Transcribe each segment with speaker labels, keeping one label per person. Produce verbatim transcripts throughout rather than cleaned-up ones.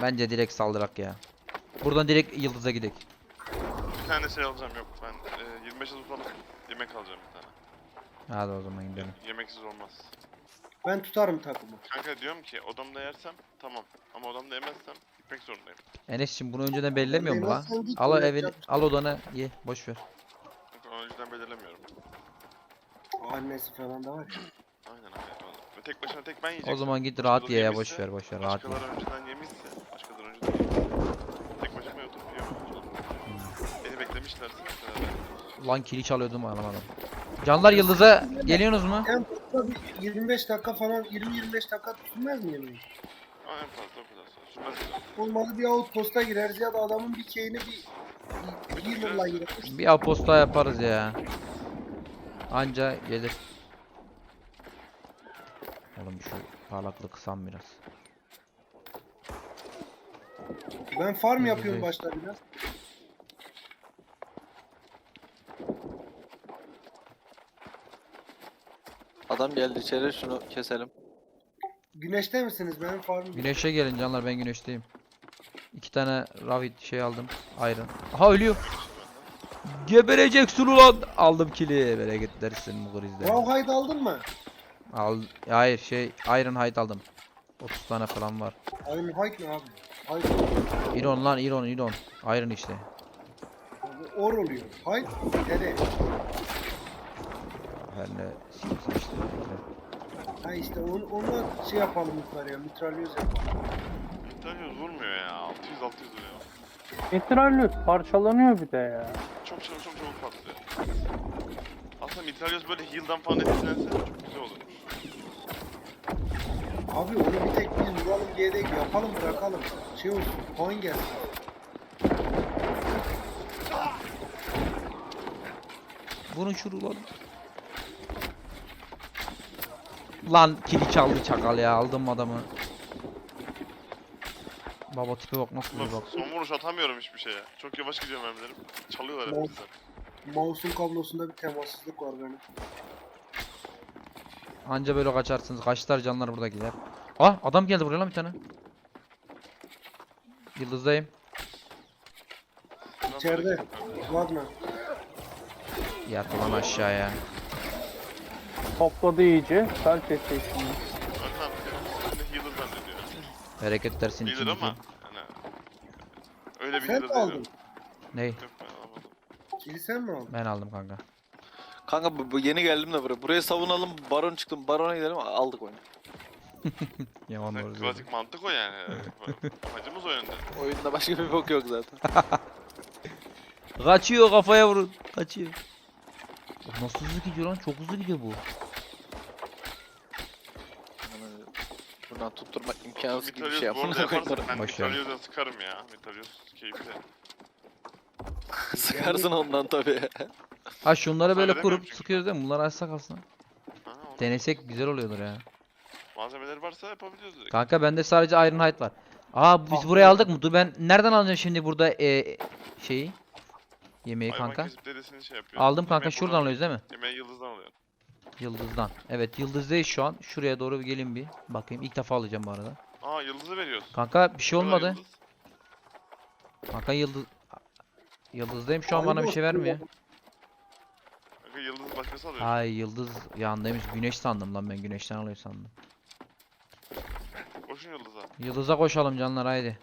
Speaker 1: Bence direkt saldırak ya. Buradan direkt Yıldız'a gidelim.
Speaker 2: Bir tane şey alacağım yok ben e, yirmi beş adet alıp yemek alacağım bir tane.
Speaker 1: Hadi o zaman gidelim.
Speaker 2: Yemeksiz olmaz.
Speaker 3: Ben tutarım takımı.
Speaker 2: Kanka diyorum ki odamda yersem tamam ama odamda yemezsem gitmek zorundayım.
Speaker 1: Enes'cim bunu önceden belirlemiyor mu la?
Speaker 3: Yemezsen git,
Speaker 1: Al o
Speaker 3: öyle
Speaker 1: evini,
Speaker 3: yapacak.
Speaker 1: al odanı ye, boş ver.
Speaker 2: Çünkü onu önceden belirlemiyorum.
Speaker 3: Annesi falan da var ya.
Speaker 2: Aynen aynen. Ve tek başına tek ben yiyeceğim.
Speaker 1: O zaman git rahat ye ya,
Speaker 2: Yemişse,
Speaker 1: boş ver, boş ver, rahat ye.
Speaker 2: Başkaları önceden yemişse, başkaları önceden yemişse tek başıma oturup yiyorum. Beni beklemişlerse mesela.
Speaker 1: Lan kili çalıyordum anlamadım. Canlar Yıldız'a geliyorsunuz mu?
Speaker 3: En fazla bir yirmi beş dakika falan yirmi yirmi beş dakika sürmez mi yemeği?
Speaker 2: Ama en fazla o kadar sonra. Sürmez mi?
Speaker 3: Olmadı bir outpost'a gireriz ya da adamın bir keyini bir bir healer'la gireriz.
Speaker 1: Bir aposta yaparız ya. Anca gelir. Oğlum şu parlaklığı kısam biraz.
Speaker 3: Ben farm
Speaker 1: Hızlı
Speaker 3: yapıyorum
Speaker 1: değil.
Speaker 3: başta biraz.
Speaker 4: Adam geldi içeri, şunu keselim.
Speaker 3: Güneşte misiniz? Benim farm
Speaker 1: Güneşe gelin canlar, ben güneşteyim. İki tane ravit şey aldım. Iron. Aha ölüyor. Gebereceksin ulan. Aldım kili. Bereket dersin bu krizde.
Speaker 3: Rawhide aldın mı?
Speaker 1: Al. Hayır şey Iron Hide aldım. otuz tane falan var.
Speaker 3: Iron Hide ne abi? Hide.
Speaker 1: Iron lan Iron Iron. Iron işte.
Speaker 3: Abi or oluyor. Hide dere.
Speaker 1: Her ne sikirsin işte.
Speaker 3: Ha işte onu, onunla şey yapalım yukarıya. Mitralyoz yapalım.
Speaker 2: İtalya vurmuyor ya. altı yüz altı yüz vuruyor.
Speaker 5: Mitralyoz parçalanıyor bir de ya.
Speaker 2: Çok çabuk çok çabuk patlıyor. Aslında mitralyoz böyle heal'dan falan etkilense çok güzel olur.
Speaker 3: Abi onu bir tek biz vuralım diye değil yapalım bırakalım. Şey olsun. Puan gelsin.
Speaker 1: Vurun şunu lan. Lan kili çaldı çakal ya, aldım adamı. Baba tipe bak nasıl bir bak.
Speaker 2: Son vuruş atamıyorum hiçbir şeye. Çok yavaş gidiyor mermilerim. Çalıyorlar hep
Speaker 3: Mouse-
Speaker 2: bizden.
Speaker 3: Mouse'un kablosunda bir temassızlık var benim.
Speaker 1: Anca böyle kaçarsınız. Kaçlar canlar buradakiler. Ah adam geldi buraya lan bir tane. Yıldızdayım.
Speaker 3: İçeride. Wagner.
Speaker 1: Yat ulan aşağıya.
Speaker 5: Topladı iyice. Felç etti şimdi.
Speaker 2: Önden bir healer zannediyor.
Speaker 1: Bereket dersin
Speaker 2: Healer
Speaker 1: ikinci.
Speaker 2: ama hani öyle bir
Speaker 3: Sen
Speaker 2: healer
Speaker 3: mi
Speaker 2: değil.
Speaker 3: aldın?
Speaker 1: Ney?
Speaker 2: Yok ben alamadım.
Speaker 3: Kili sen mi aldın?
Speaker 1: Ben aldım kanka.
Speaker 4: Kanka bu, bu yeni geldim de buraya. Buraya savunalım, baron çıktım, barona gidelim, aldık oyunu.
Speaker 1: Yaman doğru söylüyorsun.
Speaker 2: Klasik mantık o yani. Amacımız o yönde.
Speaker 4: Oyunda başka bir bok yok zaten.
Speaker 1: Kaçıyor, kafaya vurun. Kaçıyor. Oh, nasıl hızlı gidiyor lan? Çok hızlı gidiyor bu.
Speaker 4: Yani buradan tutturmak imkansız gibi bir
Speaker 2: Mitralyoz
Speaker 4: şey
Speaker 2: bu
Speaker 4: yapmam
Speaker 2: arada
Speaker 4: da
Speaker 2: yaparsan
Speaker 4: koyarım.
Speaker 2: ben
Speaker 1: Boş ver.
Speaker 2: mitralyozla sıkarım ya. Mitralyoz keyifli.
Speaker 4: Sıkarsın ondan tabii.
Speaker 1: Ha şunları böyle
Speaker 2: Söylemiyorum
Speaker 1: kurup
Speaker 2: çünkü.
Speaker 1: sıkıyoruz değil mi? Bunları açsak aslında.
Speaker 2: Ha, onu-
Speaker 1: Denesek güzel oluyordur ya.
Speaker 2: Malzemeleri varsa yapabiliyoruz direkt.
Speaker 1: Kanka bende sadece Iron Hide var. Aa biz
Speaker 3: Ah,
Speaker 1: burayı
Speaker 3: evet.
Speaker 1: aldık mı? Dur ben nereden alacağım şimdi burada e, şeyi? Yemeği
Speaker 2: Hayvan
Speaker 1: kanka.
Speaker 2: kesip dedesini şey yapıyor.
Speaker 1: Aldım kanka,
Speaker 2: Yemeği
Speaker 1: şuradan
Speaker 2: buradan-
Speaker 1: alıyoruz değil mi?
Speaker 2: Yemeği yıldızdan alıyorsun.
Speaker 1: Yıldızdan. Evet yıldızdayız şu an. Şuraya doğru bir gelin bir. Bakayım ilk defa alacağım bu arada.
Speaker 2: Aa yıldızı veriyoruz.
Speaker 1: Kanka bir şey
Speaker 2: Burada
Speaker 1: olmadı.
Speaker 2: yıldız.
Speaker 1: Kanka yıldız... Yıldızdayım şu an, bana bir şey vermiyor.
Speaker 2: Kanka yıldızı başkası alıyor.
Speaker 1: Ay yıldız yanındaymış. Güneş sandım lan, ben güneşten alıyor sandım.
Speaker 2: Koşun yıldıza.
Speaker 1: Yıldıza koşalım canlar haydi.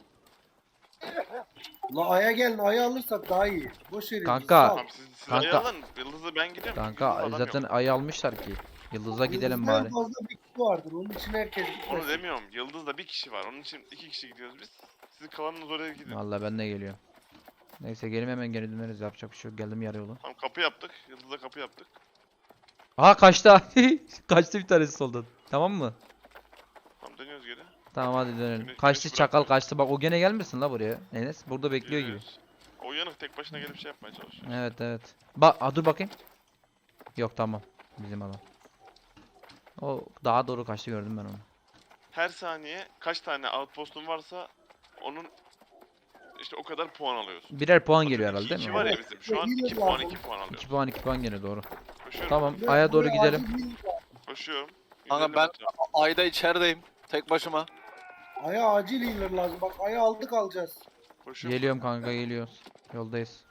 Speaker 3: La aya gelin aya alırsak daha iyi. Boş verin.
Speaker 1: Kanka.
Speaker 3: sal.
Speaker 2: Tamam siz, siz
Speaker 1: Kanka-
Speaker 2: ayı alın. Yıldızı ben gidiyorum.
Speaker 1: Kanka
Speaker 2: Yıldızda adam
Speaker 1: zaten
Speaker 2: yok.
Speaker 1: ayı almışlar ki. Yıldıza gidelim
Speaker 3: Yıldızda en
Speaker 1: bari.
Speaker 3: fazla bir kişi vardır. Onun için herkes
Speaker 2: Onu
Speaker 3: gitmesin.
Speaker 2: demiyorum. Yıldızda bir kişi var. Onun için iki kişi gidiyoruz biz. Siz kalanınız oraya gidin.
Speaker 1: Vallahi ben de geliyorum. Neyse gelin hemen geri döneriz, yapacak bir şey yok. Geldim yarı yolu.
Speaker 2: Tamam kapı yaptık. Yıldızda kapı yaptık.
Speaker 1: Aha kaçtı. Kaçtı bir tanesi soldan. Tamam mı?
Speaker 2: Tamam dönüyoruz geri.
Speaker 1: Tamam hadi dönelim.
Speaker 2: Güneş-
Speaker 1: Kaçtı
Speaker 2: güneş
Speaker 1: çakal
Speaker 2: bırakmıyor.
Speaker 1: kaçtı. Bak o gene gelmesin la buraya. Enes burada bekliyor gibi.
Speaker 2: Geliyoruz. O uyanık tek başına gelip şey yapmaya çalışıyor.
Speaker 1: Evet evet. Bak aa, dur bakayım. Yok tamam. Bizim adam. O daha doğru kaçtı, gördüm ben onu.
Speaker 2: Her saniye kaç tane outpost'un varsa onun işte o kadar puan alıyorsun.
Speaker 1: Birer puan
Speaker 2: Atıyorum
Speaker 1: geliyor
Speaker 2: iki-
Speaker 1: herhalde değil
Speaker 2: iki
Speaker 1: mi?
Speaker 2: var ya
Speaker 3: Evet.
Speaker 2: bizim. Şu an
Speaker 3: Yine
Speaker 2: iki puan
Speaker 3: lazım.
Speaker 2: iki puan alıyoruz.
Speaker 1: iki puan iki puan geliyor doğru.
Speaker 2: Koşuyorum.
Speaker 1: Tamam
Speaker 3: Buraya-
Speaker 1: aya doğru
Speaker 3: buraya
Speaker 1: gidelim.
Speaker 3: acil bir-
Speaker 2: Koşuyorum.
Speaker 4: Kanka
Speaker 2: Üzerine
Speaker 4: ben
Speaker 2: batıyorum.
Speaker 4: ayda içerideyim. Tek başıma.
Speaker 3: Aya acil healer lazım. Bak aya aldık alacağız.
Speaker 2: Koşuyorum.
Speaker 1: Geliyorum kanka, geliyoruz. Yoldayız.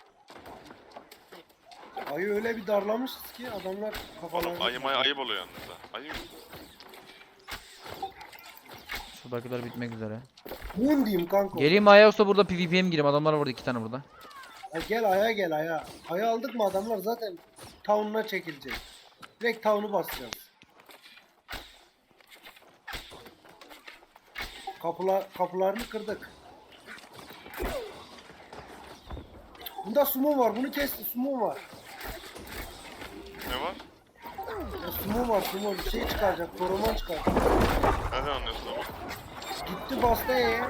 Speaker 3: Ayı öyle bir darlamışız ki adamlar
Speaker 2: Oğlum
Speaker 3: kafalarını...
Speaker 2: ayı maya ayıp oluyor yalnız ha. Ayı
Speaker 1: Şuradakiler bitmek üzere.
Speaker 3: Moon diyeyim kanka.
Speaker 1: Geleyim Aya, yoksa burada PvP'ye mi gireyim? Adamlar var burada, iki tane burada.
Speaker 3: Ha, gel aya gel aya. Aya aldık mı adamlar zaten town'una çekilecek. Direkt town'u basacağız. Kapılar, kapılarını kırdık. Bunda sumo var. Bunu kesti. Sumo var.
Speaker 2: ne var?
Speaker 3: Ya, sumo var. Sumo bir şey çıkaracak. Koroman çıkaracak.
Speaker 2: Nereden anlıyorsun ama?
Speaker 3: Gitti bastı E'ye.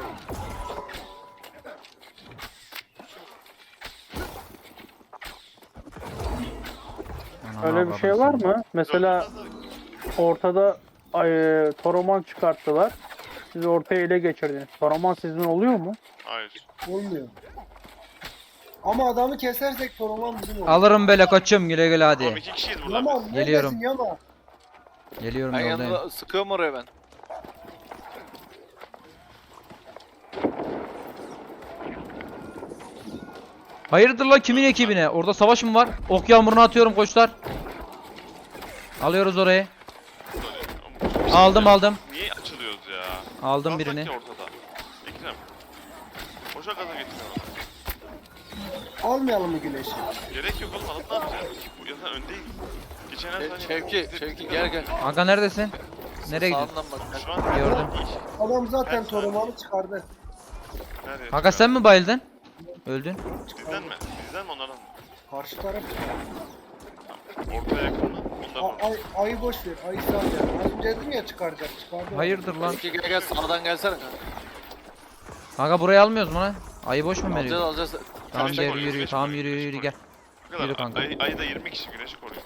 Speaker 1: Ana,
Speaker 5: Öyle bir şey var mı? Mesela ortada ay, Toroman çıkarttılar. Siz ortaya ele geçirdiniz. Toroman sizin oluyor mu?
Speaker 2: Hayır.
Speaker 3: Olmuyor. Ama adamı kesersek Koroman bizim olur.
Speaker 1: Alırım böyle koçum, güle güle
Speaker 2: Oğlum
Speaker 1: hadi.
Speaker 2: iki kişiyiz burada.
Speaker 3: Yaman
Speaker 2: biz.
Speaker 1: Geliyorum.
Speaker 3: neredesin Yaman?
Speaker 1: Geliyorum,
Speaker 4: Ben
Speaker 1: yoldayım.
Speaker 4: yanında sıkıyorum oraya ben.
Speaker 1: Hayırdır lan, kimin ekibine? Orada savaş mı var? Ok yağmurunu atıyorum koçlar. Alıyoruz orayı. Aldım aldım.
Speaker 2: Niye açılıyoruz ya?
Speaker 1: Aldım
Speaker 2: Kalsak
Speaker 1: birini.
Speaker 2: ya ortada. Ekrem. Boşa gaza getiriyor.
Speaker 3: Almayalım mı güneşi?
Speaker 2: Gerek yok oğlum, alıp ne yapacağız? Bu yazan öndeyiz. Geçen her
Speaker 4: Şev-
Speaker 2: saniye...
Speaker 4: Şevki, Şevki gel gel.
Speaker 1: Kanka neredesin? Nereye gidiyorsun?
Speaker 4: Sağından bak.
Speaker 2: Şu an
Speaker 1: Gördüm.
Speaker 3: Adam zaten
Speaker 2: Ben sana-
Speaker 3: Koroman'ı çıkardı.
Speaker 2: Nerede?
Speaker 1: Kanka sen mi bayıldın? Öldün.
Speaker 2: Bizden mi? Bizden mi onlardan mı?
Speaker 3: Karşı taraf.
Speaker 2: Ortaya yakın mı? Bundan mı?
Speaker 3: A- ay, ayı boş ver. Ayı sal ya. Az önce dedim ya çıkaracak. Çıkardı.
Speaker 1: Hayırdır lan?
Speaker 4: Şevki gel gel sağdan gelsene kanka.
Speaker 1: Kanka burayı almıyoruz mu lan? Ayı boş mu
Speaker 4: Alacağız
Speaker 1: veriyor?
Speaker 4: alacağız.
Speaker 1: Tamam
Speaker 2: Güneşi
Speaker 1: gel
Speaker 2: koruyor,
Speaker 1: yürü,
Speaker 2: güneşi
Speaker 1: tamam
Speaker 2: koruyor,
Speaker 1: yürü
Speaker 2: güneşi
Speaker 1: yürü
Speaker 2: koruyor.
Speaker 1: gel.
Speaker 2: Ne kadar?
Speaker 1: Yürü kanka.
Speaker 2: Ayı, ayı da yirmi kişi güneşi koruyor.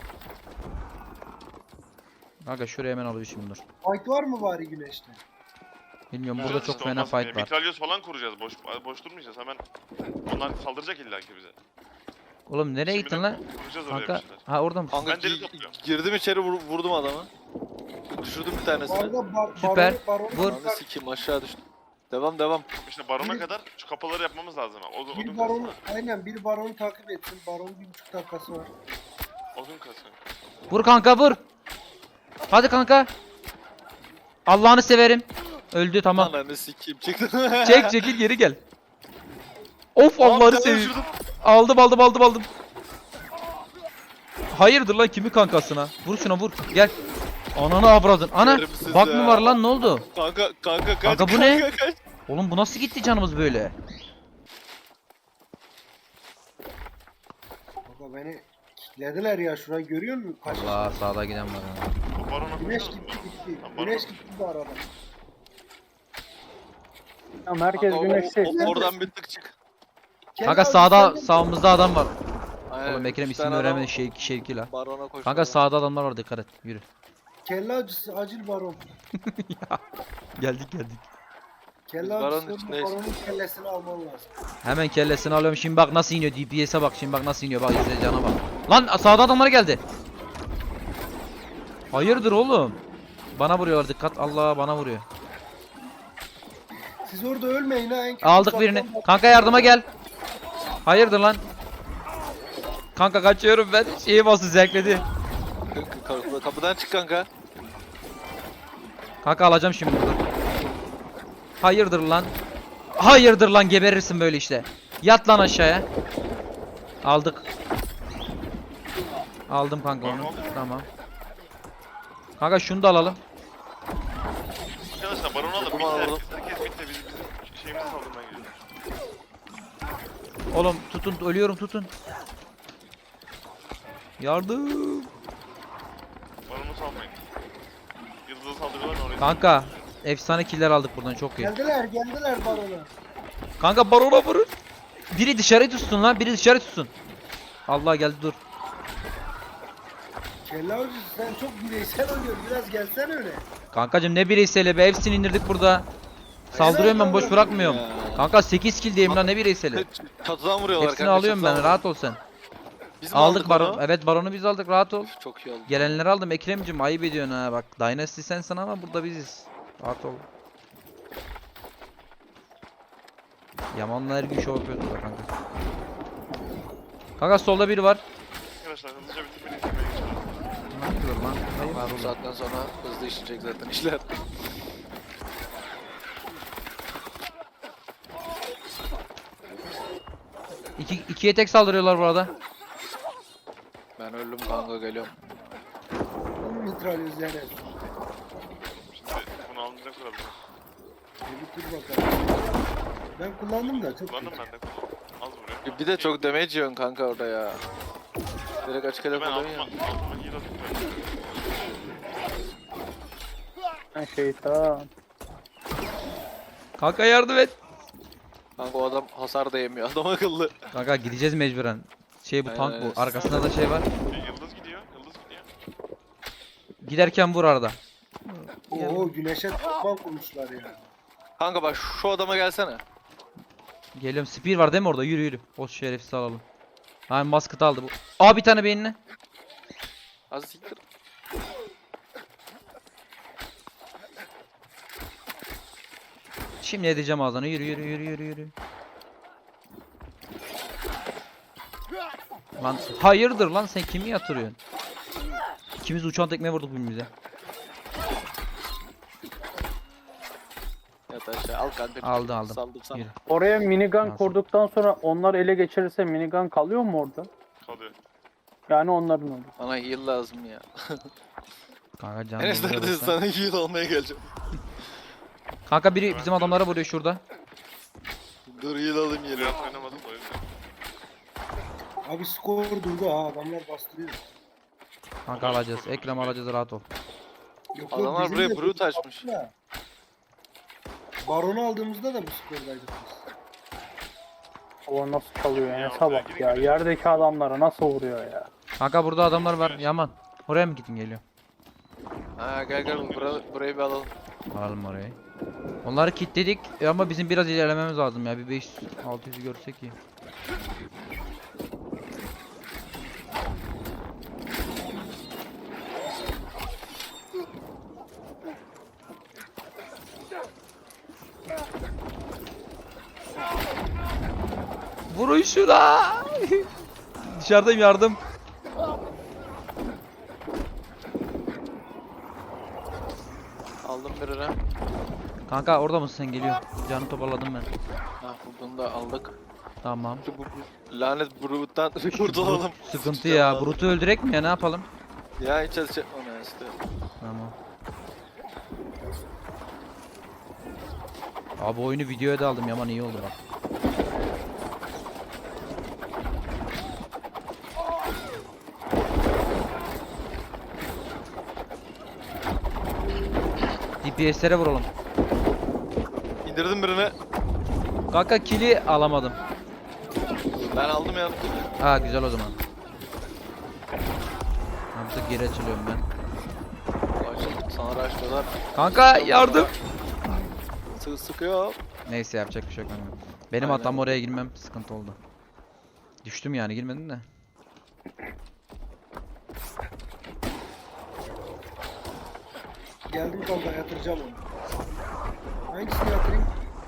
Speaker 1: Kanka şuraya hemen alayım şimdi, dur.
Speaker 3: Fight var mı bari güneşte?
Speaker 1: Bilmiyorum,
Speaker 2: Güzel
Speaker 1: burada çok
Speaker 2: işte,
Speaker 1: fena
Speaker 2: olmaz mı ya?
Speaker 1: fight var.
Speaker 2: Mitralyöz falan kuracağız. Boş boş durmayacağız. Hemen onlar saldıracak illa ki bize.
Speaker 1: Oğlum nereye
Speaker 2: Şimdiden
Speaker 1: gittin lan?
Speaker 2: Kuracağız oraya
Speaker 1: Kanka,
Speaker 2: bir şeyler.
Speaker 1: ha orada mısın?
Speaker 4: Kanka
Speaker 2: Ben deri
Speaker 4: gi-
Speaker 2: topluyorum.
Speaker 4: girdim içeri vur- vurdum adamı. Düşürdüm bir
Speaker 3: Bu
Speaker 4: tanesini.
Speaker 3: arada bar,
Speaker 1: Süper.
Speaker 3: baronu- baronu
Speaker 1: Vur.
Speaker 3: çıkar-
Speaker 4: Ananı sikeyim aşağı düştüm. Devam devam.
Speaker 2: İşte barona
Speaker 3: Bir-
Speaker 2: kadar şu kapıları yapmamız lazım. ha. Odun, odun
Speaker 3: Bir baronu,
Speaker 2: kasın.
Speaker 3: aynen bir baronu takip etsin. Baronun bir buçuk dakikası var.
Speaker 2: Odun kasın.
Speaker 1: Vur kanka, vur. Hadi kanka. Allah'ını severim. Öldü, tamam.
Speaker 4: Ananı sikeyim çıktı.
Speaker 1: Çek çekil, geri gel. Of,
Speaker 4: Aa, bir
Speaker 1: Allah'ını
Speaker 4: tane
Speaker 1: seveyim.
Speaker 4: düşürdüm.
Speaker 1: Aldım aldım aldım aldım. Hayırdır lan, kimi kankasına? Vur şuna, vur. Gel. Ananı avradın. Ana.
Speaker 4: Yerim sizi
Speaker 1: Bak mı
Speaker 4: ya.
Speaker 1: var lan, ne oldu?
Speaker 4: Kanka kanka kaç.
Speaker 1: Kanka bu ne?
Speaker 4: kanka, kaç.
Speaker 1: Oğlum bu nasıl gitti canımız böyle?
Speaker 3: Baba beni kilitlediler ya. Şurayı görüyor musun? Kaç
Speaker 1: Allah, sağda giden var ya.
Speaker 2: O barona
Speaker 3: Güneş
Speaker 2: koşuyoruz
Speaker 3: gitti
Speaker 2: mu?
Speaker 3: gitti.
Speaker 2: Tamam,
Speaker 3: Güneş
Speaker 2: barona-
Speaker 3: gitti bu arada.
Speaker 5: Tamam, herkes
Speaker 4: Kanka, o-
Speaker 5: güneşte.
Speaker 4: o- oradan bir tık çık.
Speaker 1: Kanka
Speaker 3: Kenan
Speaker 1: sağda,
Speaker 3: sen de-
Speaker 1: sağımızda adam var.
Speaker 4: Aynen,
Speaker 1: Oğlum Ekrem
Speaker 4: üç
Speaker 1: ismini
Speaker 4: tane adam
Speaker 1: öğrenmedi, şevki şevki la.
Speaker 4: Barona koş.
Speaker 1: Kanka sağda adamlar var, dikkat et. Yürü.
Speaker 3: Kelle acısı acil baron.
Speaker 1: Geldik geldik.
Speaker 3: Kelle
Speaker 4: baronun
Speaker 3: acısı
Speaker 4: içindeyiz.
Speaker 3: baronun kellesini alman lazım.
Speaker 1: Hemen kellesini alıyorum. Şimdi bak nasıl iniyor. D P S'e bak. Şimdi bak nasıl iniyor. Bak izle, cana bak. Lan sağda adamlar geldi. Hayırdır oğlum? Bana vuruyorlar, dikkat. Allah, bana vuruyor.
Speaker 3: Siz orada ölmeyin ha. En kötü
Speaker 1: Aldık
Speaker 3: uzaktan
Speaker 1: birini.
Speaker 3: bak-
Speaker 1: Kanka yardıma gel. Hayırdır lan? Kanka kaçıyorum ben. Şeyi bastı, zevkledi.
Speaker 4: Kapı- Kapıdan çık kanka.
Speaker 1: Kanka alacağım şimdi dur. Hayırdır lan? Hayırdır lan, geberirsin böyle işte. Yat lan aşağıya. Aldık. Aldım kanka onu. Tamam. Kanka şunu da alalım.
Speaker 2: Arkadaşlar baronu alın. Bitti
Speaker 4: Tamam,
Speaker 2: herkes.
Speaker 4: aldım.
Speaker 2: Herkes bitti. Bizim, bizim şeyimizi saldırmaya gidiyor.
Speaker 1: Oğlum tutun, ölüyorum, tutun. Yardım.
Speaker 2: Baronu salmayın. Yıldız'a saldırıyorlar oraya.
Speaker 1: Kanka efsane killer aldık buradan, çok iyi.
Speaker 3: Geldiler geldiler barona.
Speaker 1: Kanka barona vurun. Biri dışarı tutsun lan, biri dışarı tutsun. Allah geldi, dur.
Speaker 3: Kelle acısı sen çok bireysel oynuyorsun. Biraz gelsen öyle.
Speaker 1: Kankacım ne bireyseli be, hepsini indirdik burada. Saldırıyorum ben, boş bırakmıyorum.
Speaker 4: Ya.
Speaker 1: Kanka sekiz kill diyeyim lan, ne bireyseli.
Speaker 4: Çatıdan vuruyorlar
Speaker 1: Hepsini
Speaker 4: kanka.
Speaker 1: alıyorum ben,
Speaker 4: çatıdan
Speaker 1: rahat ol sen.
Speaker 4: Biz mi
Speaker 1: Aldık
Speaker 4: onu?
Speaker 1: baron. Evet, baronu biz aldık, rahat ol.
Speaker 4: Üf, Çok iyi oldu.
Speaker 1: Gelenleri aldım Ekrem'cim, ayıp ediyorsun ha bak. Dynasty sensin ama burada biziz. Rahat ol. Yaman'la her gün şov yapıyordu da kanka. Kanka solda biri var.
Speaker 2: Arkadaşlar hızlıca bitirmeni izlemeye geçelim.
Speaker 1: Ne yapıyor lan? Hayır.
Speaker 4: Var bu saatten sonra hızlı işleyecek zaten işler.
Speaker 1: İki, ikiye tek saldırıyorlar bu arada.
Speaker 4: Ben öldüm kanka geliyorum.
Speaker 3: Mitralyoz yani.
Speaker 2: Şimdi bunu alınca kuralım.
Speaker 3: Bir bitir bakalım. Ben kullandım da çok
Speaker 2: Kullandım
Speaker 3: kötü.
Speaker 2: ben de kullandım. Az vuruyor.
Speaker 4: Bir de çok damage yiyorsun kanka orada ya. Direkt açık hedef
Speaker 2: Ben
Speaker 4: oluyor
Speaker 2: altıma,
Speaker 4: ya.
Speaker 2: altıma heal atıyorum.
Speaker 5: Ben şeytan.
Speaker 1: Kanka yardım et.
Speaker 4: Kanka o adam hasar da yemiyor. Adam akıllı.
Speaker 1: Kanka gideceğiz mecburen. Şey bu
Speaker 4: Aynen
Speaker 1: tank
Speaker 4: öyle.
Speaker 1: bu. Arkasında da şey var.
Speaker 2: E, Yıldız gidiyor. Yıldız gidiyor.
Speaker 1: Giderken vur arada.
Speaker 3: Oo güneşe toplan kurmuşlar ya.
Speaker 4: Kanka bak şu adama gelsene.
Speaker 1: Geliyorum. Spear var değil mi orada? Yürü yürü. O şerefsiz alalım. Hani maskıt aldı bu. Aa bir tane beynine.
Speaker 4: Az siktir.
Speaker 1: Şimdi edeceğim ağzına. Yürü yürü yürü yürü yürü. Lan hayırdır lan sen kimi yatırıyorsun? İkimiz uçan tekme vurduk birbirimize.
Speaker 4: Yat aşağı al kanka.
Speaker 1: Aldı, aldım.
Speaker 4: Saldım sana.
Speaker 1: Yürü.
Speaker 5: Oraya minigun
Speaker 1: Nasıl?
Speaker 5: kurduktan sonra onlar ele geçirirse minigun kalıyor mu orada?
Speaker 2: Kalıyor.
Speaker 5: Yani onların olur.
Speaker 4: Bana heal lazım ya.
Speaker 1: Kanka canım.
Speaker 4: Enes neredesin? Sana heal almaya geleceğim.
Speaker 1: Kanka biri bizim adamlara vuruyor şurada.
Speaker 4: Dur heal alayım yeri.
Speaker 2: Biraz oynamadım da o yüzden.
Speaker 3: Abi skor durdu ha adamlar bastırıyor.
Speaker 1: Kanka alacağız. Ekrem alacağız rahat ol.
Speaker 3: Yok, yok,
Speaker 4: Adamlar
Speaker 3: bizim
Speaker 4: buraya
Speaker 3: de
Speaker 4: brute açmış.
Speaker 3: da. Baron'u aldığımızda da bu skordaydık biz.
Speaker 5: O nasıl çalıyor
Speaker 2: Ya,
Speaker 5: Enes'e
Speaker 2: oraya
Speaker 5: bak
Speaker 2: gidin
Speaker 5: ya.
Speaker 2: gidin.
Speaker 5: Yerdeki adamlara nasıl vuruyor ya.
Speaker 1: Kanka burada adamlar var. Yaman. Oraya mı gidin geliyor?
Speaker 4: Ha gel gel bura, burayı bir alalım.
Speaker 1: Alalım orayı. Onları kilitledik ama bizim biraz ilerlememiz lazım ya. Bir beş yüz altı yüz görsek iyi. Vurun şuna. Dışarıdayım yardım.
Speaker 4: Aldım birini.
Speaker 1: Kanka orada mısın sen geliyor. Canı toparladım ben.
Speaker 4: Ha bunu da aldık.
Speaker 1: Tamam.
Speaker 4: Şu bu, bu lanet brute'dan kurtulalım.
Speaker 1: Sıkıntı ya. Brut'u öldürek mi ya ne yapalım?
Speaker 4: Ya hiç çalışacak ona işte.
Speaker 1: Tamam. Abi oyunu videoya da aldım Yaman iyi oldu bak. D P S'lere vuralım.
Speaker 4: İndirdim birini.
Speaker 1: Kanka kili alamadım.
Speaker 4: Ben aldım ya.
Speaker 1: Ha güzel o zaman. Artık geri açılıyorum ben.
Speaker 4: Açıldık sana raşlıyorlar.
Speaker 1: Kanka yardım.
Speaker 4: Sık sıkıyor.
Speaker 1: Neyse yapacak bir şey yok. kanka. Benim
Speaker 4: Aynen.
Speaker 1: hatam oraya girmem sıkıntı oldu. Düştüm yani girmedim de.
Speaker 3: Geldim kanka yatıracağım onu. Hangisini yatırayım?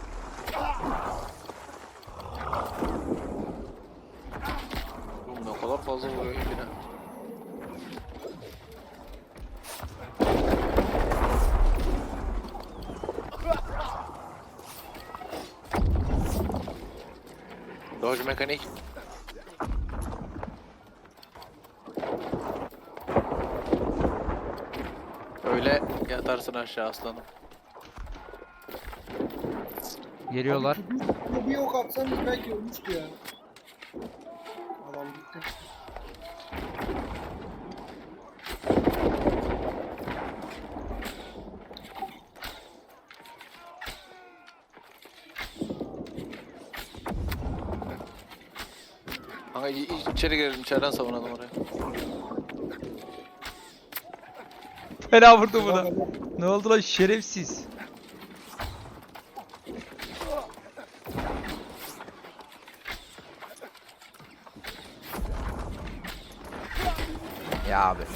Speaker 4: Oğlum ne kadar fazla vuruyor yine. Dodge mekanik. Öyle yatarsın aşağı aslanım.
Speaker 1: Geliyorlar.
Speaker 3: Bir, bir ok atsanız belki ölmüştü ya. Adam gitti.
Speaker 4: Kanka i- i- içeri girelim, içeriden savunalım orayı.
Speaker 1: Fena vurdu buna. Ne oldu lan şerefsiz. Ya abi.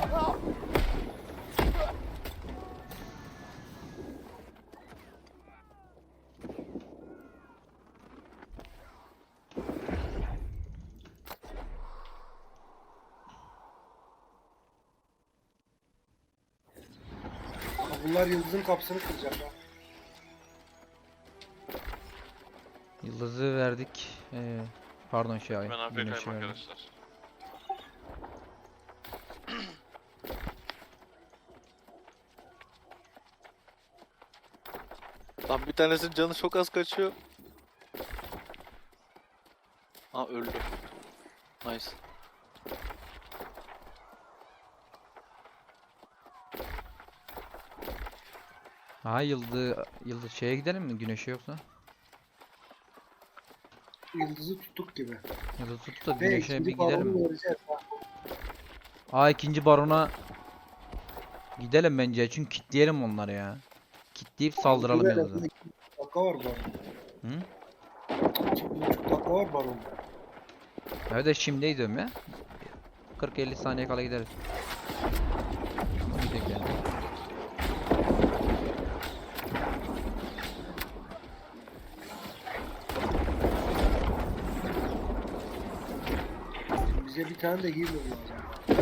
Speaker 3: Bunlar Yıldız'ın kapısını kıracak ha.
Speaker 1: Yıldızı verdik. Ee, pardon şey ay.
Speaker 2: Ben A F
Speaker 1: güneşi
Speaker 2: K'yim
Speaker 1: verdik.
Speaker 2: arkadaşlar.
Speaker 4: Lan bir tanesinin canı çok az kaçıyor. Aa öldü. Nice.
Speaker 1: Ha yıldız yıldız şeye gidelim mi? Güneşe yoksa?
Speaker 3: Yıldız'ı tuttuk gibi.
Speaker 1: Yıldız tuttu da
Speaker 3: Ve
Speaker 1: güneşe
Speaker 3: ikinci
Speaker 1: bir gidelim
Speaker 3: balonu
Speaker 1: mi?
Speaker 3: vereceğiz ha.
Speaker 1: Aa ikinci barona gidelim bence çünkü kitleyelim onları ya. Kitleyip saldıralım
Speaker 3: Güzel,
Speaker 1: Yıldız'a.
Speaker 3: iki buçuk dakika var baron.
Speaker 1: Hı?
Speaker 3: İki buçuk dakika var baron.
Speaker 1: Evet de şimdi diyorum ya. kırk elli saniye kala gideriz. Gidelim yani.
Speaker 3: Bize bir tane de healer lazım.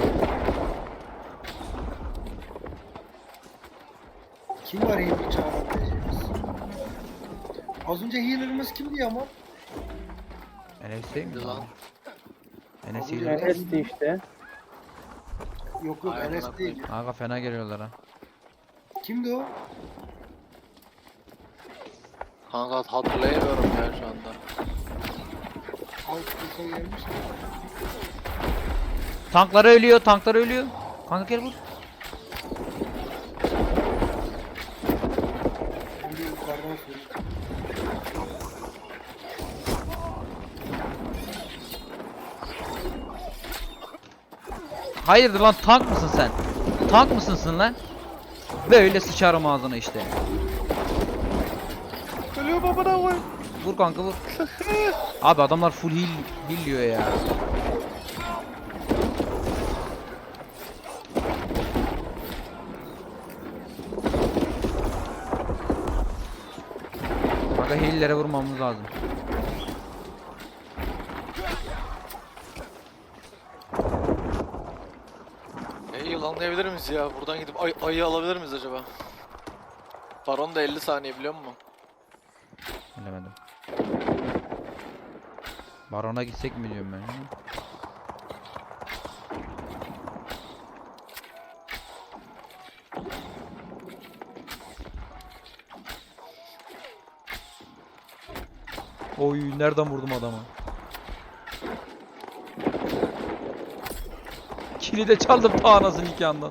Speaker 3: Kim var healer çağırabileceğimiz? Az önce healer'ımız kimdi ya ama?
Speaker 1: Enes değil mi?
Speaker 4: Lan.
Speaker 1: Enes
Speaker 3: Abi,
Speaker 1: iyi.
Speaker 3: evet.
Speaker 5: Enes'ti işte.
Speaker 3: Yok yok
Speaker 4: Aynen,
Speaker 3: Enes
Speaker 4: aynen.
Speaker 3: değil.
Speaker 1: Aga fena geliyorlar ha.
Speaker 3: Kimdi o?
Speaker 4: Kanka hatırlayamıyorum ya şu anda.
Speaker 3: Alt kısa gelmiş.
Speaker 1: Tankları ölüyor, tankları ölüyor. Kanka gel vur.
Speaker 3: Şimdi yukarıdan söyleyeyim.
Speaker 1: Hayırdır lan tank mısın sen? Tank mısın sen lan? Böyle sıçarım ağzına işte.
Speaker 4: Ölüyor babana koy.
Speaker 1: Vur kanka vur. Abi adamlar full heal, heal diyor ya. Kanka heal'lere vurmamız lazım.
Speaker 4: E yılanlayabilir miyiz ya? Buradan gidip ay ayı alabilir miyiz acaba? Baron da elli saniye biliyor musun?
Speaker 1: Bilemedim. Barona gitsek mi diyorum ben ya. Oy nereden vurdum adamı? Kili de çaldım ta anasının nikahından.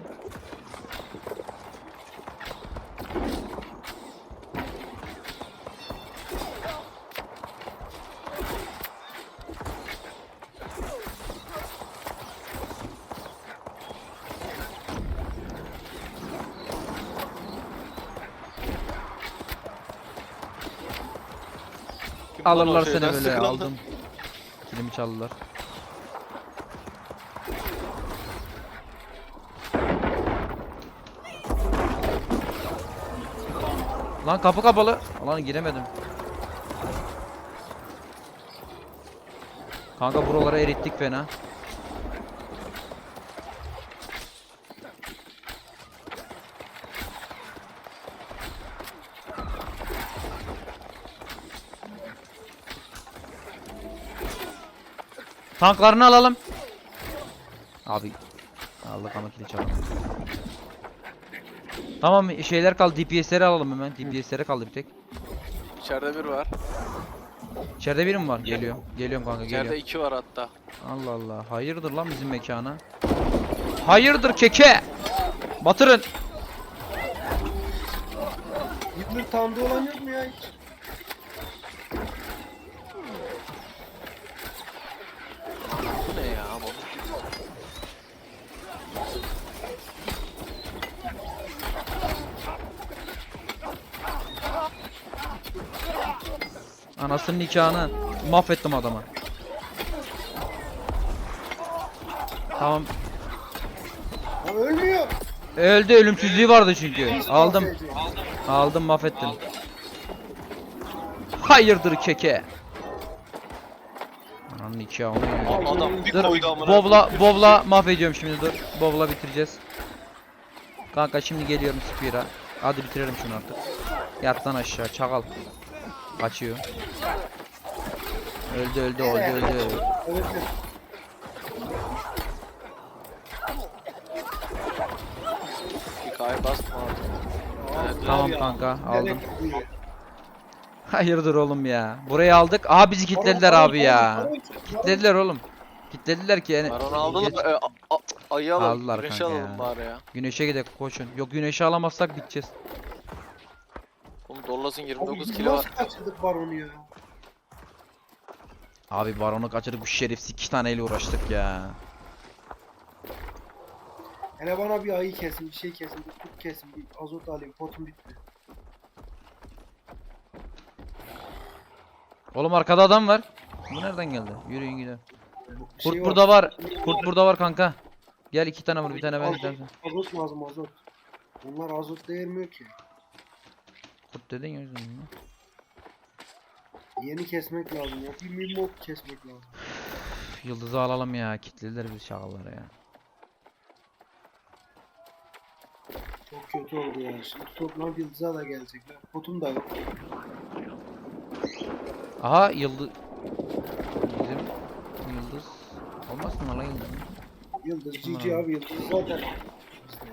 Speaker 4: Kim lan o
Speaker 1: Alırlar seni
Speaker 4: şeyden
Speaker 1: böyle
Speaker 4: sıkılan?
Speaker 1: aldım. Kilimi çaldılar. Lan kapı kapalı. Lan giremedim. Kanka buraları erittik fena. Tanklarını alalım. Abi aldık ama kili çalalım. Tamam şeyler kaldı. D P S'leri alalım hemen. D P S'lere kaldı bir tek.
Speaker 4: İçeride bir var.
Speaker 1: İçeride biri mi var? Geliyor. Geliyorum kanka
Speaker 4: İçeride
Speaker 1: geliyor.
Speaker 4: iki var hatta.
Speaker 1: Allah Allah. Hayırdır lan bizim mekana? Hayırdır keke? Batırın.
Speaker 3: Healer tanıdığı olan yok mu ya hiç?
Speaker 4: Bu ne ya bu?
Speaker 1: Anasının nikahını mahvettim adama. Tamam.
Speaker 3: Ha, ölmüyor.
Speaker 1: Öldü ölümsüzlüğü vardı çünkü. Aldım. Aldım mahvettim. Hayırdır keke? Ananın nikahını.
Speaker 4: Aa, adam bir
Speaker 1: Dur.
Speaker 4: koydu amına.
Speaker 1: Bobla Bobla mahvediyorum şimdi dur. Bobla bitireceğiz. Kanka şimdi geliyorum Spear'a. Hadi bitirelim şunu artık. Yat lan aşağı çakal. Kaçıyor. Öldü öldü öldü öldü. öldü.
Speaker 3: Evet. evet.
Speaker 4: Hikaye basma abi. Evet,
Speaker 1: Tamam
Speaker 3: ya.
Speaker 1: kanka
Speaker 3: Nereye
Speaker 1: aldım.
Speaker 3: gidiyor?
Speaker 1: Hayırdır oğlum ya. Burayı aldık. Aha bizi kilitlediler
Speaker 3: Baron,
Speaker 1: abi
Speaker 3: baron,
Speaker 1: ya.
Speaker 3: baron, baron.
Speaker 1: Kilitlediler oğlum. Kilitlediler ki yani.
Speaker 4: Baron aldılar.
Speaker 1: Geç-
Speaker 4: E, a- a- ayı alalım.
Speaker 1: Aldılar
Speaker 4: Güneşi
Speaker 1: kanka
Speaker 4: alalım
Speaker 1: ya.
Speaker 4: bari ya.
Speaker 1: Güneşe gidelim koşun. Yok güneşi alamazsak biteceğiz.
Speaker 4: Oğlum Dollas'ın
Speaker 3: Abi
Speaker 4: yirmi dokuz
Speaker 3: biz
Speaker 4: kilo var.
Speaker 3: nasıl kaçırdık baronu ya?
Speaker 1: Abi baronu kaçırdık bu şerefsiz iki taneyle uğraştık ya.
Speaker 3: Hele bana bir ayı kesin, bir şey kesin, bir kurt kesin, bir azot alayım, potum bitti.
Speaker 1: Oğlum arkada adam var. Bu nereden geldi? Yürüyün gidelim.
Speaker 3: Bir
Speaker 1: Kurt
Speaker 3: şey
Speaker 1: burada var. Kurt burada var kanka. Gel iki tane vur bir tane ben
Speaker 3: Azot,
Speaker 1: istersen.
Speaker 3: azot lazım azot. Bunlar azot değermiyor ki.
Speaker 1: Kurt dedin ya yüzünden. ya.
Speaker 3: Yeni kesmek lazım ya. Bir mimok kesmek lazım.
Speaker 1: Üf, Yıldızı alalım ya. Kitlediler biz şakalara ya.
Speaker 3: Çok kötü oldu ya. Şimdi toplam yıldıza da gelecekler. Potum da yok.
Speaker 1: Aha yıldız. Bizim yıldız. Olmaz mı lan yıldız?
Speaker 3: Yıldız,
Speaker 1: Tamam.
Speaker 3: G G abi yıldız zaten. bizde.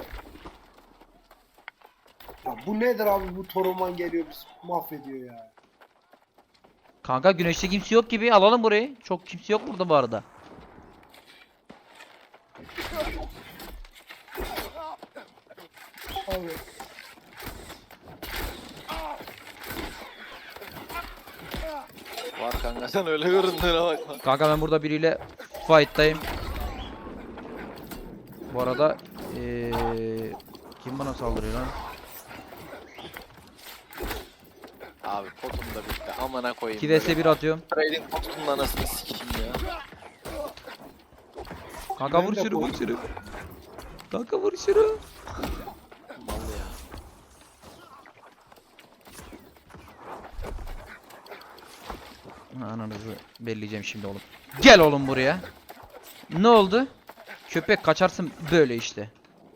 Speaker 3: Ya bu nedir abi bu Toruman geliyor bizi mahvediyor ya.
Speaker 1: Kanka güneşte kimse yok gibi alalım burayı. Çok kimse yok burada bu arada.
Speaker 3: Abi
Speaker 4: Var kanka sen öyle göründüğüne bakma.
Speaker 1: Kanka ben burada biriyle fight'tayım. Bu arada eee kim bana saldırıyor lan?
Speaker 4: Abi potum da bitti. Amına koyayım.
Speaker 1: iki vs bir atıyorum.
Speaker 4: Trading potunun anasını sikeyim ya.
Speaker 1: Kanka
Speaker 3: Ben
Speaker 1: vur
Speaker 3: de
Speaker 1: şunu vur
Speaker 3: korktum.
Speaker 1: şunu. Kanka vur şunu.
Speaker 4: Mal ya.
Speaker 1: Ha, Ananızı belleyeceğim şimdi oğlum. Gel oğlum buraya. Ne oldu? Köpek kaçarsın böyle işte.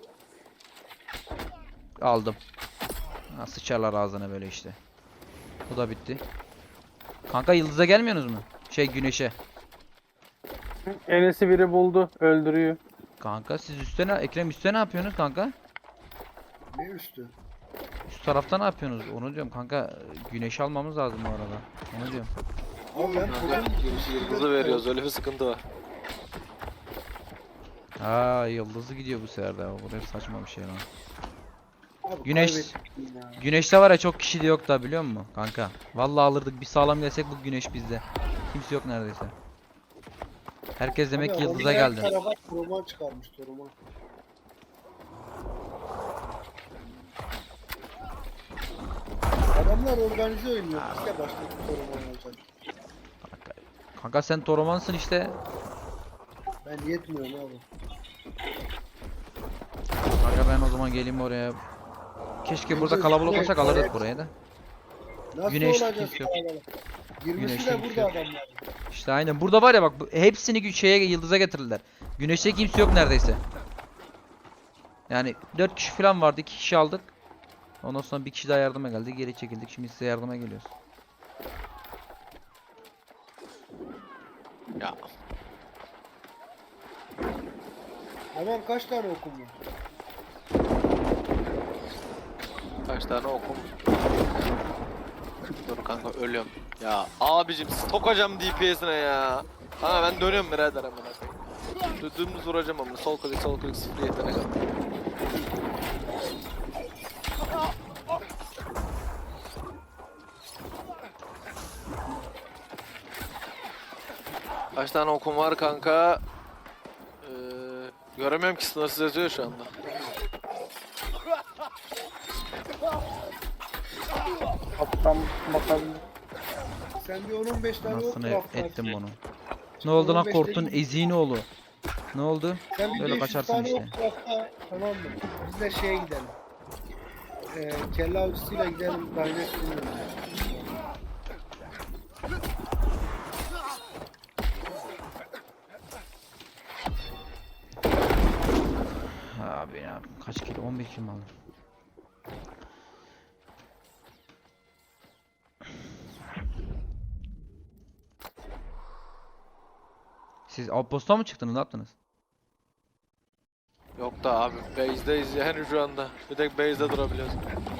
Speaker 1: Aldım. Ha, sıçarlar ağzına böyle işte. Bu da bitti. Kanka yıldıza gelmiyorsunuz mu? Şey güneşe.
Speaker 5: Enes'i biri buldu. Öldürüyor.
Speaker 1: Kanka siz üstte ne? Ekrem üstte ne yapıyorsunuz kanka?
Speaker 3: ne üstü?
Speaker 1: Üst tarafta ne yapıyorsunuz? Onu diyorum kanka. Güneş almamız lazım bu arada. Onu diyorum.
Speaker 3: Abi ben
Speaker 4: Kanka
Speaker 3: potum
Speaker 4: yıldızı veriyoruz öyle bir sıkıntı var.
Speaker 1: Aa yıldızı gidiyor bu sefer de. Bu da saçma bir şey lan.
Speaker 3: Abi
Speaker 1: Güneş-
Speaker 3: kaybettik ya.
Speaker 1: Güneşte var ya çok kişi de yok da biliyor musun kanka? Vallahi alırdık bir sağlam gelsek bu güneş bizde. Kimse yok neredeyse. Herkes demek ki
Speaker 3: Abi
Speaker 1: yıldıza
Speaker 3: onlar her
Speaker 1: geldi.
Speaker 3: tarafa Toruman çıkarmış Toruman. Adamlar organize oynuyor. Biz de başka bir Toruman olacak.
Speaker 1: Kanka, kanka sen Toromansın işte.
Speaker 3: Ben yetmiyorum abi.
Speaker 1: Kanka ben o zaman geleyim oraya. Keşke burada
Speaker 3: Güneş-
Speaker 1: kalabalık
Speaker 3: güneş-
Speaker 1: olsak alırdık
Speaker 3: evet.
Speaker 1: burayı da.
Speaker 3: Nasıl
Speaker 1: Güneş
Speaker 3: olacak
Speaker 1: kimse yok.
Speaker 3: kalabalık? yirmisi
Speaker 1: Güneşte
Speaker 3: de
Speaker 1: kimse
Speaker 3: burada
Speaker 1: yok.
Speaker 3: adamlar.
Speaker 1: İşte aynen. Burada var ya bak bu- hepsini gü- şeye yıldıza getirdiler. Güneşte kimse yok neredeyse. Yani dört kişi falan vardı. iki kişi aldık. Ondan sonra bir kişi daha yardıma geldi. Geri çekildik. Şimdi size yardıma geliyoruz.
Speaker 4: Ya
Speaker 3: Hemen kaç tane okum var?
Speaker 4: kaç tane okum. Dur kanka ölüyorum. Ya abicim sokacağım D P S'ine ya. Kanka ben dönüyorum birader amına koyayım. Dü- Dümdüz vuracağım amına. Sol klik sol klik sıfır yetenek al. Kaç tane okum var kanka? Ee, göremiyorum ki sınırsız yazıyor şu anda.
Speaker 5: Kaptan bakabilir.
Speaker 3: Sen bir on on beş tane ok
Speaker 1: Nasıl
Speaker 3: craftlarsın.
Speaker 1: ettim bunu. Ne oldu lan
Speaker 3: on beş
Speaker 1: Kort'un
Speaker 3: değil.
Speaker 1: eziğini oğlu. Ne oldu?
Speaker 3: Sen bir
Speaker 1: Böyle
Speaker 3: beş yüz
Speaker 1: kaçarsın
Speaker 3: tane
Speaker 1: işte.
Speaker 3: ok craftla, tamam mı? Biz de şeye gidelim. Ee, kelle avcısıyla gidelim. Dynasty
Speaker 1: Abi ya kaç kilo? on bir kilo mu aldım? Siz outpost'a mı çıktınız, ne yaptınız?
Speaker 4: Yok da abi base'deyiz yani şu anda. Bir tek base'de durabiliyoruz.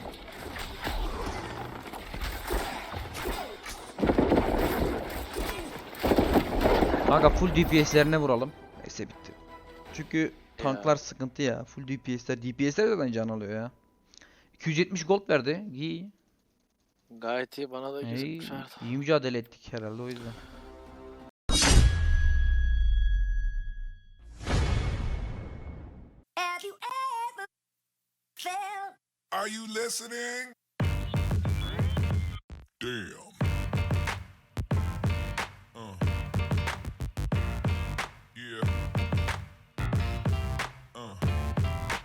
Speaker 1: Kanka full D P S'lerine vuralım. Neyse bitti. Çünkü tanklar sıkıntı ya. Full D P S'ler. D P S'ler zaten can alıyor ya. iki yüz yetmiş gold verdi. İyi.
Speaker 4: Gayet iyi, bana da
Speaker 1: İyi,
Speaker 4: gözükmüş Arda.
Speaker 1: iyi mücadele ettik herhalde o yüzden.
Speaker 6: Have you ever felt
Speaker 7: Are you listening? Damn.